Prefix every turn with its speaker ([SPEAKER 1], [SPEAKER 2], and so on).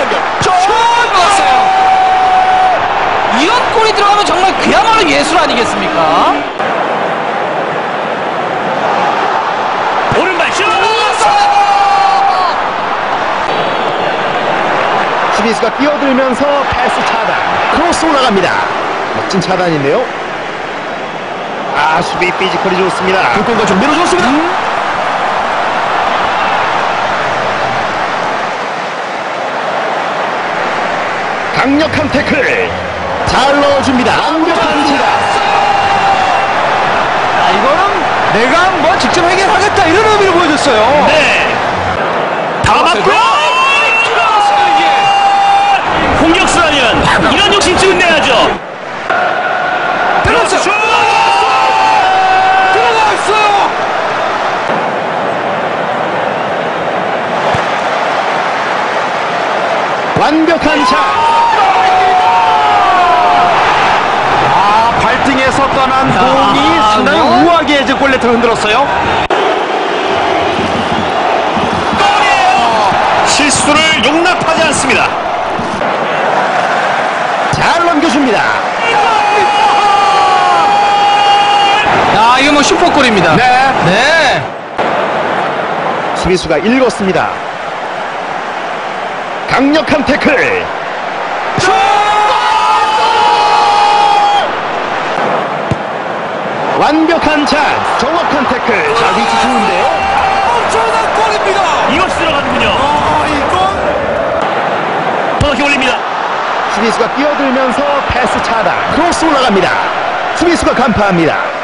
[SPEAKER 1] 연결.
[SPEAKER 2] 들어갔어요. 이런 골이 들어가면 정말 그야말로 예술 아니겠습니까?
[SPEAKER 1] 오른발 슛.
[SPEAKER 3] 수비수가 뛰어들면서 패스 차단. 크로스 올라갑니다. 멋진 차단인데요. 아, 수비 피지컬이 좋습니다.
[SPEAKER 1] 불꽃과 좀 밀어줬습니다.
[SPEAKER 3] 강력한 태클. 잘 넣어줍니다. 완벽한 차단.
[SPEAKER 2] 이거는 내가 한번 직접 해결하겠다 이런 의미를 보여줬어요.
[SPEAKER 1] 네. 다 맞고요. 공격수라면 이런 욕심쯤은 내야죠.
[SPEAKER 2] 들어갔어요. 들어갔어요.
[SPEAKER 3] 완벽한 샷.
[SPEAKER 1] 발등에서 떠난 공이 상당히 우아하게 이제 골레트를 흔들었어요. 골이에요. 실수를 용납하지 않습니다.
[SPEAKER 3] 잘 넘겨줍니다.
[SPEAKER 2] 야, 이거 뭐 슈퍼골입니다. 네.
[SPEAKER 3] 수비수가 읽었습니다. 강력한 태클. 완벽한 찬스. 정확한 태클. 자, 위치 좋은데요.
[SPEAKER 2] 엄청난 골입니다.
[SPEAKER 1] 이것이 들어가는군요.
[SPEAKER 2] 이건
[SPEAKER 1] 정확히 올립니다.
[SPEAKER 3] 수비수가 뛰어들면서 패스 차단. 크로스 올라갑니다. 수비수가 간파합니다.